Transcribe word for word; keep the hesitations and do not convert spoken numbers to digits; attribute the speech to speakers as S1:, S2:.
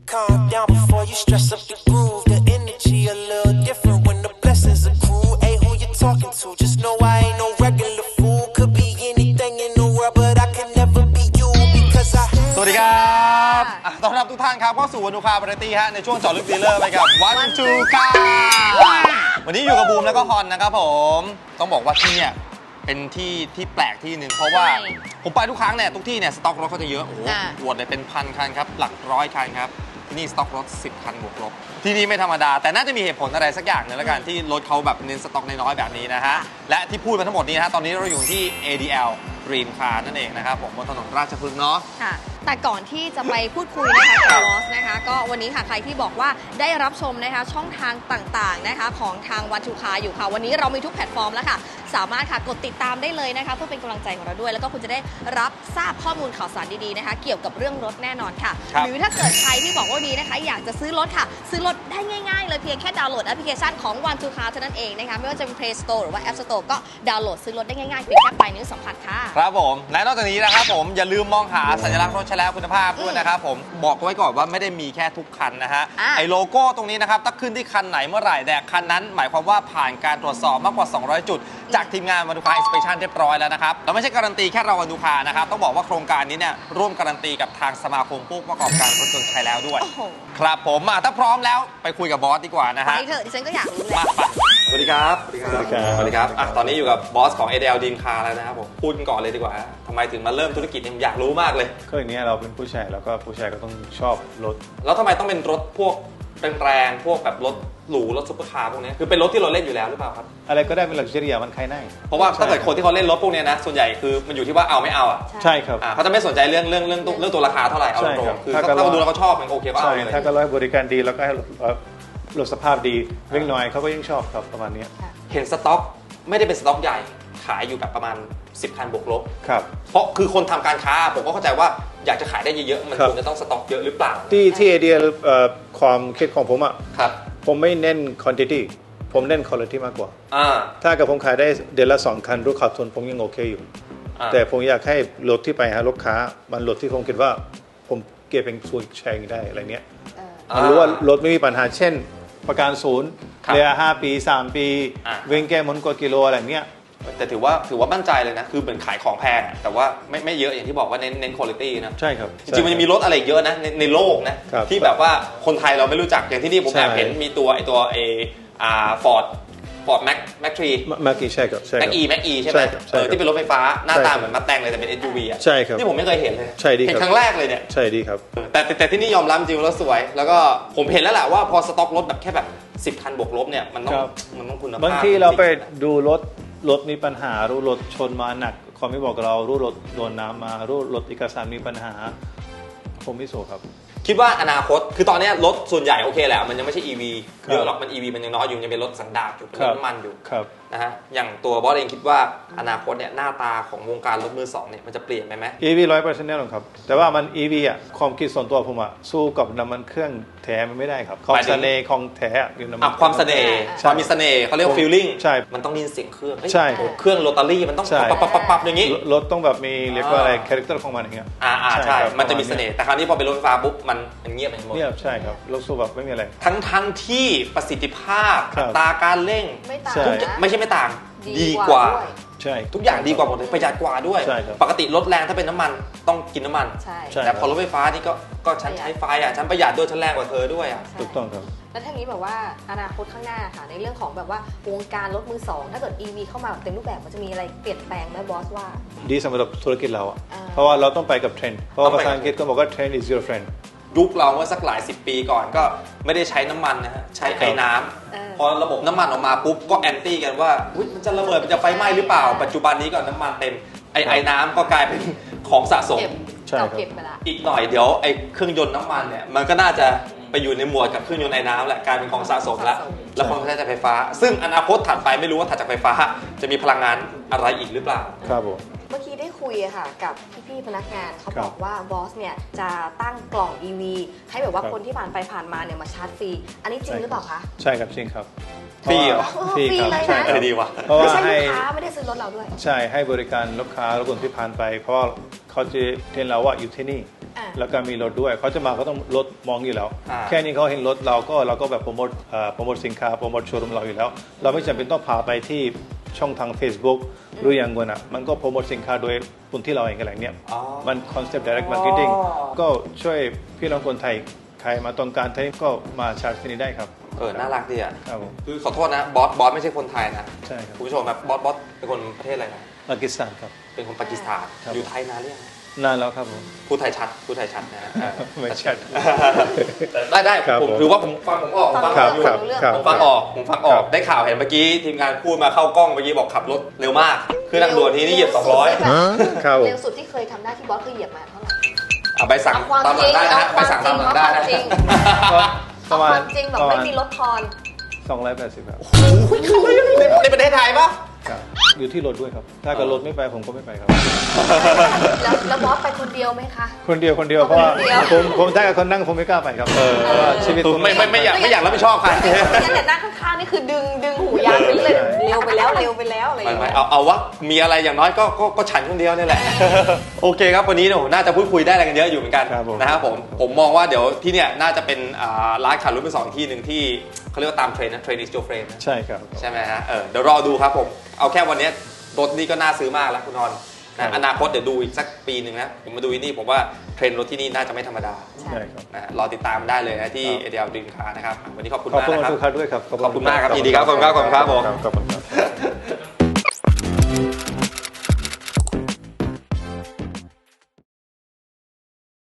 S1: calm down before you stress up the groove. The energy a little different when the blessings accrue. Hey, who you talking to? Just know I ain't no regular fool. Could be anything in the world, but I can never be you because I.
S2: สวัสดีครับต้อนรับทุกท่านครับเข้าสู่วันดูคาบริตี้ฮะในช่วงเจาะลึกดีลเลอร์ไปกับวันทูคาวันนี้อยู่กับบูมแล้วก็ฮอนนะครับผมต้องบอกว่าที่เนี่ยเป็นที่ที่แปลกที่หนึ่งเพราะว่าผมไปทุกครั้งเนี่ยทุกที่เนี่ยสต็อกรถเขาจะเยอะโอ้โหอวดเลยเป็นพันคันครับหลักร้อยคันครับที่นี่สต็อกรถสิบคันบวกลบที่นี่ไม่ธรรมดาแต่น่าจะมีเหตุผลอะไรสักอย่างหนึ่งแล้วกันที่รถเขาแบบเน้นสต็อกน้อยๆแบบนี้นะฮะและที่พูดมาทั้งหมดนี้นะฮะตอนนี้เราอยู่ที่ เอ ดี แอล Dream Car นั่นเองนะครับผมบนถนนราชพฤกษ์เนาะ
S3: ค่ะแต่ก่อนที่จะไปพูดคุยนะคะกับลอสนะคะก็วันนี้ค่ะใครที่บอกว่าได้รับชมนะคะช่องทางต่างๆนะคะของทางวันทูคาอยู่ค่ะวันนี้เรามีทุกแพลตฟอร์มแล้วค่ะสามารถค่ะกดติดตามได้เลยนะคะเพื่อเป็นกำลังใจของเราด้วยแล้วก็คุณจะได้รับทราบข้อมูลข่าวสารดีๆนะคะเกี่ยวกับเรื่องรถแน่นอนค่ะหรือถ้าเกิดใครที่บอกว่าดีนะคะอยากจะซื้อรถค่ะซื้อรถได้ง่ายๆเลยเพียงแค่ดาวน์โหลดแอปพลิเคชันของวันทูคาเท่านั้นเองนะคะไม่ว่าจะเป็น Play Store หรือว่า App Store ก็ดาวน์โหลดซื้อรถได้ง่ายๆเพียงแค่ปลายนิ้วสัมผัสค่ะ
S2: ครับผมและนอกจากนี้นะครับผมอย่าลืมมองหาสัญลักษณ์รถใช้แล้วคุณภาพด้วยนะครับผมบอกไว้ก่อนว่าไม่ได้มีแค่ทุกคันนะฮะไอโลโก้ตรงนี้นะครับถ้าขึ้นที่คันไหนเมื่อไหร่แต่คันนั้นหมายความว่าผ่านการตรวจสอบมากกว่าสองร้อยจุดจากทีมงานวันดูคาอินสเปชั่นเรียบร้อยแล้วนะครับแล้วไม่ใช่การันตีแค่เราวันดูคานะครับต้องบอกว่าโครงการนี้เนี่ยร่วมการันตีกับทางสมาคมผู้ประกอบการรถยนต์ใช้แล้วด้วยครับผมถ้าพร้อมแล้วไปคุยกับบอสดีกว่านะฮะ
S3: ไปเถอะดิฉันก็อยากรู้เลย
S2: สวัสดีครับสวัสดีครับสวัสดีครับตอนนี้อยู่กับบอสของ เอ ดี แอล Dream Car แล้วนะครับผมพูดกันก่อนเลยดีกว่าทำไมถึงมาเริ่มธุรกิจอยากรู้มากเลย
S4: ก็อย่างนี้เราเป็นผู้ชายแล้วก็ผู้ชายก็ต้องชอบรถ
S2: แล้วทำไมต้องเป็นรถพวกแรงๆพวกแบบรถหรูรถซุปเปอร์คาร์พวกนี้คือเป็นรถที่เราเล่นอยู่แล้วหรือเปล่าครับ
S4: อะไรก็ได้เป็นลักชัวรี่มันใครได้
S2: เพราะว่าถ้าเกิดคนที่เขาเล่นรถพวกนี้นะส่วนใหญ่คือมันอยู่ที่ว่าเอาไม่เอาอ่ะ
S4: ใช่ครับ
S2: เขาจะไม่สนใจเรื่องเรื่องเรื่องเรื่องตัวราคาเท่าไหร่เอาตรงคือถ้าเราดูแล้วเขาชอบมันโอเคก็เอาเลย
S4: ถ้าก็ร้อยบริการดีแล้วก็ให้รถสภาพดีวิ่งน้อยเขาก็ยิ่งชอบครับประมาณนี้
S2: เห็นสต็อกไม่ได้เป็นสต็อกใหญ่ขายอยู่แบบประมาณสิบคันบวกลบ
S4: ครับ
S2: เพราะคือคนทำการค้าผมก็เข้าใจว่าอยากจะขายได้เยอะๆมันควรจะต้องสต็อกเยอะหรือเปล่า
S4: ที่ที่ไอเดียความคิดของผมอ่ะผมไม่เน้น quantity ผมเน้น quality มากกว่าถ้ากับผมขายได้เดือนละสองคันรู้ขาดทุนผมยังโอเคอยู่แต่ผมอยากให้รถที่ไปหาลูกค้ามันรถที่ผมคิดว่าผมเก็บเป็นส่วนแชร์ได้อะไรเนี้ยมันรู้ว่ารถไม่มีปัญหาเช่นประกันศูนย์เรียห้าปีสามปีเว้งแก้มนกว่ากิโลอะไรเงี้ย
S2: แต่ถือว่าถือว่ามั่นใจเลยนะคือเหมือนขายของแพงแต่ว่าไม่ไม่เยอะอย่างที่บอกว่าเน้นเน้นคุณภาพนะ
S4: ใช่ครับ
S2: จริงๆมันจะมีรถอะไรเยอะนะในในโลกนะที่แบบว่าคนไทยเราไม่รู้จักอย่างที่นี่ผมแอบเห็นมีตัวไอตัวเออ่าฟอร์ดฟอร์ดแม็กแม็กทรี
S4: แม็กอีใช่ครับ
S2: แม็กอีแม็กอีใช่ไหมเออที่เป็นรถไฟฟ้าหน้าตาเหมือนมาแตงเลยแต่เป็น เอส ยู วี อ่ะ
S4: ใช่ครับ
S2: ที่ผมไม่เคยเห็นเลย
S4: ใช่ดี
S2: เห็นครั้งแรกเลยเนี่ย
S4: ใช่ดีครับ
S2: แต่แต่ที่นี่ยอมรับจริงรถสวยแล้วก็ผมเห็นแล้วแหละว่าพอสต็อกรถแบบแค่แบบสิบคันบวกลบเนี่ยมันต้องมันต้องคุณภาพ
S4: บางทีเราไปดูรถรถมีปัญหารู้รถชนมาหนักเขาไม่บอกเรารู้รถโดนน้ำมารู้รถเอกสารมีปัญหาผมไม่โซ่ครับ
S2: คิดว่าอนาคตคือตอนนี้รถส่วนใหญ่โอเคแหละมันยังไม่ใช่ อี วี เยอะหรอกมัน อี วี มันยังน้อยอยู่ยังเป็นรถสันดาปอยู่เป็นรถน้ำมันอยู่นะฮะอย่างตัวบอสเองคิดว่าอนาคตเนี่ยหน้าตาของวงการรถมือสองเนี่ยมันจะเปลี่ยนไปไหม
S4: อี วี ร้อยเปอร์เซ็นต์แน่นอนครับแต่ว่ามัน อี วี อ่ะความคิดส่วนตัวผมอ่ะสู้กับน้ำมันเครื่องแท้มันไม่ได้ครับความเสน่ห์ของแท้อยู่น้ำมัน
S2: ความเสน่ห์ความมีเสน่ห์เขาเรียกว่า feeling
S4: ใช่
S2: มันต้องมีเสียงเครื่อง
S4: ใช่
S2: เครื่องโรตารี่มันต้องปั๊บปั๊บปั๊บปั๊บอย่างนี้
S4: รถต้องแบบมีเรียกว่าอะไรคาแรคเตอร์ของมันอย่างเงี้ย
S2: อ่าอ่าใช่มันจะมีเสน่ห์แต่คราวนี้พอเป็นรถไฟฟ้าปุ๊บมันมันเงียบไปหมด
S4: เงียบใช่ครับรถสู้แบบไม่มีอะไร
S2: ทั้งทั้งที่ประสิทธิภาพอัตราการเร่ง
S3: ไม่ต่าง
S2: ไม่ใช่ไม่ต่างดีกว่า
S4: ใช่
S2: ทุกอย่างดีกว่าหมดเลยประหยัดกว่าด้วยปกติรถแรงถ้าเป็นน้ำมันต้องกินน้ำมันแต่พอรถไฟฟ้านี่ก็ก็ฉันใช้ไฟอ่ะฉันประหยัดด้วยฉันแรงกว่าเธอด้วยอ่ะ
S4: ถูกต้องครับ
S3: แล้วทั้งนี้แบบว่าอนาคตข้างหน้าค่ะในเรื่องของแบบว่าวงการรถมือสองถ้าเกิด อี วี เข้ามาเต็มรูปแบบมันจะมีอะไรเปลี่ยนแปลงไหมบอสว่า
S4: ดีสำหรับธุรกิจเราอ่ะเพราะว่าเราต้องไปกับเทรนด์เพราะภาษาอังกฤษก็บอกว่า trend is your friend
S2: ยุคเราเมื่อสักหลายสิบปีก่อนก็ไม่ได้ใช้น้ำมันนะฮะใช้ไอ้น้ำพอระบบน้ำมันออกมาปุ๊บก็แอนตี้กันว่ามันจะระเบิดมันจะไฟไหม้หรือเปล่าปัจจุบันนี้ก็น้ำมันเต็มไอ้ไอ้น้ำก็กลายเป็นของสะสมอีกหน่อยเดี๋ยวไอ้เครื่องยนต์น้ำมันเนี่ยมันก็น่าจะไปอยู่ในหมวดกับเครื่องยนต์ไอ้น้ำแหละกลายเป็นของสะสมแล้วแล้วคนก็ใช้ไฟฟ้าซึ่งอนาคตถัดไปไม่รู้ว่าถัดจากไฟฟ้าจะมีพลังงานอะไรอีกหรือเปล่า
S4: ครับผม
S3: เมื่อกี้ได้คุยค่ะกับพี่ๆพนักงานเขาบอกว่าบอสเนี่ยจะตั้งกล่อง อี วี ให้แบบว่าคนที่ผ่านไปผ่านมาเนี่ยมาชาร์จฟรีอันนี้จริงหรือเปล่าคะ
S4: ใช่ครับจริงครับ
S2: ฟรีเหรอ
S4: ฟรีครับ
S3: ฟรีเลยนะ
S4: ใช่ค
S2: เอ
S4: รั
S2: อบ ดีว่ะ
S4: เพราะ
S3: ไม่
S4: ว่า
S3: ใช่
S4: ให้
S3: ลูกค้าไม่ได้ซื้อรถเราด้วย
S4: ใช่ให้บริการลูกค้าและคนที่ผ่านไป เพราะว่าเขาจะเห็นเราว่าอยู่ที่นี่
S3: อ่า
S4: แล้วก็มีรถด้วยเขาจะมาเขาต้องรถมองอยู่แล้ว
S2: อ่า
S4: แค่นี้เขาเห็นรถเราก็เราก็แบบโปรโมทเอ่อโปรโมทสินค้าโปรโมทโชว์รูมเราอยู่แล้ว เราไม่จำเป็นต้องพาไปที่ช่องทาง Facebook หรืออย่างเงี้ยนะมันก็โปรโมทสินค้าโดยคนที่เราเองกันแหละเนี่ย
S2: อ๋อ
S4: มันคอนเซ็ปต์ direct marketing
S2: อ๋อ
S4: ก็ช่วยพี่น้องคนไทยใครมาต้องการไทยก็มาชาร์จที่นี่ได้ครับ
S2: เออน่ารักดีอ่ะ
S4: ครับผม
S2: คือขอโทษนะบอสบอสไม่ใช่คนไทยนะ
S4: ใช่ครับ
S2: คุณผู้ชมครับบอสบอสเป็นคนประเทศอะไรนะ
S4: ปากีสถานครับ
S2: เป็นคนปากีสถาน
S4: ครับ
S2: อยู่ไทยนานหรือยัง
S4: นานแล้วครับผม
S2: พูดไทยชัดพูดไทยชัดนะฮะเออ
S4: ไม่ชัด
S2: ได้ได้
S4: ครับ
S2: ผม
S4: ผม
S2: ถือว่าผมฟังผมออกผมฟัง
S4: ค
S2: อ
S4: รั
S2: อบ กอยู่
S4: ครับครับ
S2: ผมฟังออกผมฟังออกได้ข่าวเห็นเมื่อกี้ทีมงานพูดมาเข้ากล้องเมื่อกี้บอกขับรถเร็วมากคือทางด่วนทีนี่เหยียบสองร้อย
S4: ครับผม
S3: เร็วสุดที่เคยทำได้ที่บอสคือเหยียบมาเท่าไหร่
S2: อ่ะใบสั่ง
S3: เอาความ
S2: ตามหลังได้นะฮะ
S3: จริง
S2: ใบสั่งตามหลังได้นะ
S3: เอาความจริง
S4: ประมาณ
S3: ความจริงแบบไม่มีลดทอน
S4: สองร้อยแปดสิบครับ
S2: ในประเทศไทยปะ
S4: ครับอยู่ที่รถด้วยครับ ถ้าเกิดรถไม่ไปผมก็ไม่ไปครับ
S3: แล้วแล้วบอสไปคนเดียวไหมคะ
S4: คนเดียวคนเดียวเพราะว่า
S3: คนเดียว
S4: ผมผมถ้ากับคนนั่งผมไม่กล้าไปครับเพราะว่าชีวิตผม
S2: ไม่ไม่ไม่อยากไม่อยากรับผิดชอบใคร
S3: งั้นแต่นั่งข้างๆนี่คือดึงดึงหูยางไปเลยเร็วไปแล้วเร็วไปแล้วอะไรอ
S2: ไม่
S3: ย่าง
S2: ไม่
S3: เงี้ย
S2: เอาเอาวะมีอะไรอย่างน้อยก็ก็ก็ฉันคนเดียวนี่แหละ โอเคครับวันนี้เนี่ยผมน่าจะพูดคุยได้อะไรกันเยอะอยู่เหมือนกัน
S4: ครับผม
S2: นะครับผมผมมองว่าเดี๋ยวที่เนี่ยน่าจะเป็นอ่าร้านขายรถมือสองอีกที่หนึ่งที่เขาเรียกว่าตามเทรนด์นะเทรนด์ is your friend นะ
S4: ใช่ครับ
S2: ใช่ไหมฮะเออเดี๋ยวรอดูครับผมเอาแค่วันเนี้ยรถนี่ก็น่าซื้อมากแล้วคุณนอน
S4: ครั
S2: นะ
S4: บ
S2: อนาคตเดี๋ยวดูอีกสักปีหนึ่งนะผมมาดูที่นี่ผมว่าเทรนด์รถที่นี่น่าจะไม่ธรรมดา
S4: ใช่ครับ
S2: นะรอติดตามได้เลยนะที่
S4: ครับ
S2: เอเดียลดรีมคาร์นะครับวันนี้ขอบคุณ
S4: ขอบ
S2: มาก
S4: คุณ
S2: นะครับ
S4: ทุกท่านด้วยครับ
S2: ขอบคุณมากครับยินดีครับขอบคุณครับขอบคุณครับผม
S4: ขอบคุณครับ